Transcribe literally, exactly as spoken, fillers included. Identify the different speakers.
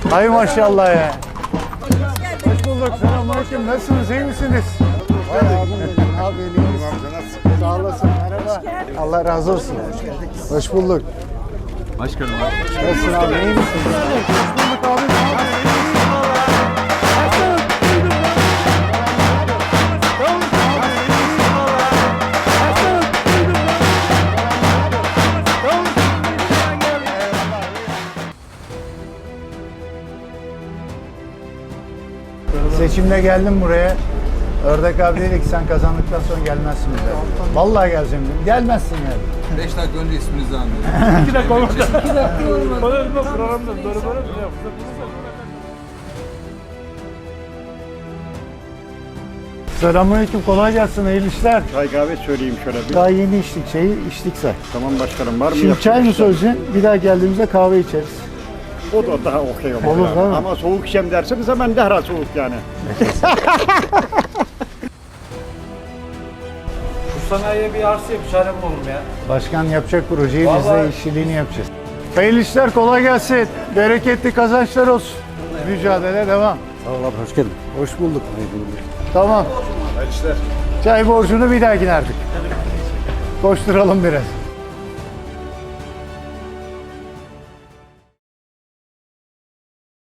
Speaker 1: Hay maşallah ya. Hoş bulduk. Selamünaleyküm. Nasılsınız? İyi misiniz? Vay abim benim. Abi iyisiniz. Sağ olasın. Merhaba. Allah razı olsun. Hoş bulduk.
Speaker 2: Başkanım.
Speaker 1: Nasılsın abi? İyi misin? Hoş bulduk abi. Seçimde geldim buraya. Ördek abi dedi ki sen kazandıktan sonra gelmezsin bize. Vallahi geleceğim dedim. Gelmezsin yani.
Speaker 2: beş dakika önce isminizi anlıyorum.
Speaker 3: iki dakika olmadı. iki dakika olmadı. Böyle bir programda böyle böyle mi yaptın?
Speaker 1: Selamünaleyküm. Kolay gelsin. Hayırlı işler.
Speaker 4: Çay kahve söyleyeyim şöyle bir.
Speaker 1: Daha yeni içtik şeyi. içtik say.
Speaker 4: Tamam başkanım, var mı?
Speaker 1: Şimdi çay mı söyleyeceksin? Bir daha geldiğimizde kahve içeriz.
Speaker 4: O da daha okey olur.
Speaker 1: Olur,
Speaker 4: yani.
Speaker 1: değil mi?
Speaker 4: Ama soğuk içeceğim derseniz hemen derhal soğuk yani.
Speaker 3: Şu sanayiye bir arsa yap, çare bulalım ya.
Speaker 1: Başkan yapacak projeyi, biz de
Speaker 3: Vallahi-
Speaker 1: işçiliğini yapacağız. Hayırlı işler, kolay gelsin. Bereketli kazançlar olsun. Mücadele devam.
Speaker 4: Sağ ol abi, hoş geldin.
Speaker 1: Hoş bulduk. Tamam.
Speaker 4: Hayırlı işler.
Speaker 1: Çay borcunu bir dahakine artık. Koşturalım biraz.